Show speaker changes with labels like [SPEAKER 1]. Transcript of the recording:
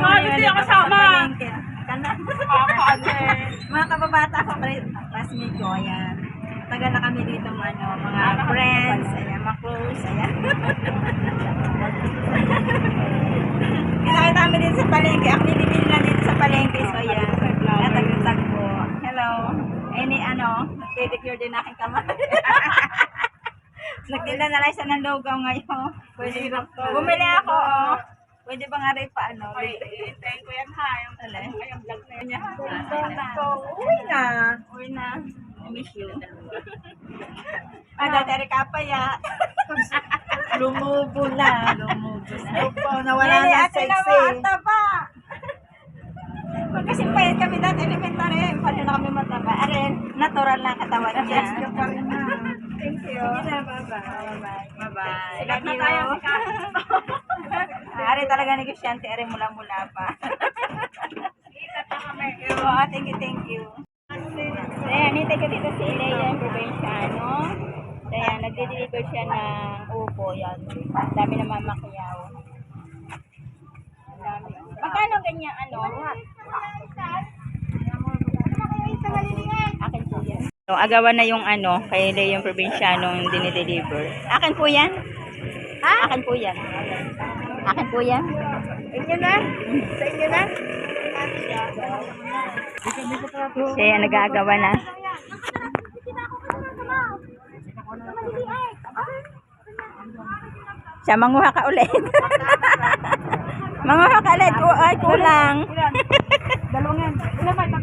[SPEAKER 1] Gusto yung kasama.
[SPEAKER 2] Mga kababata ko, classmate ko, ayan. Tagal na kami dito, mga friends, ayan, mga close, ayan. Kita kami dito sa palengke. Ang binibili lang dito sa palengke, so ayan. Natagpo. Hello. Pedicure din aking kamay. Nagtinda na lang siya ng logaw ngayon. Pwede bumili ako, oh. Pwede ba nga rin pa,
[SPEAKER 1] Hintayin ko yan ha. Yung vlog na yan.
[SPEAKER 2] Uwi na. I miss you. Dati ka pa ya. Lumubo na. Nawala na sexy. Ata ba? Kasi payat kami dati elementary. Paano na kami mataba? Arin, natural lang katawan niya. Thank you. Bye-bye. Love you. Ari talaga negosyante, ari mula-mula pa. Thank you. Ayan, nitay ko dito si Leia, yung probinsyano. Ayan, nagde-deliver siya ng upo. Yan. Dami na mamakiyaw. Magkano ganyan, Akin po yan. So, agawan na yung kay Leia yung probinsyanong dinideliver. Akin po yan? Ha? Akin po yan. Akin po yan. Inyo na? Sa inyo na? Siya nag-aagawa na. Siya, manguha ka ulit. Manguha ka ulit. Ay, kulang.
[SPEAKER 1] Dalawang yan. Ilan ba?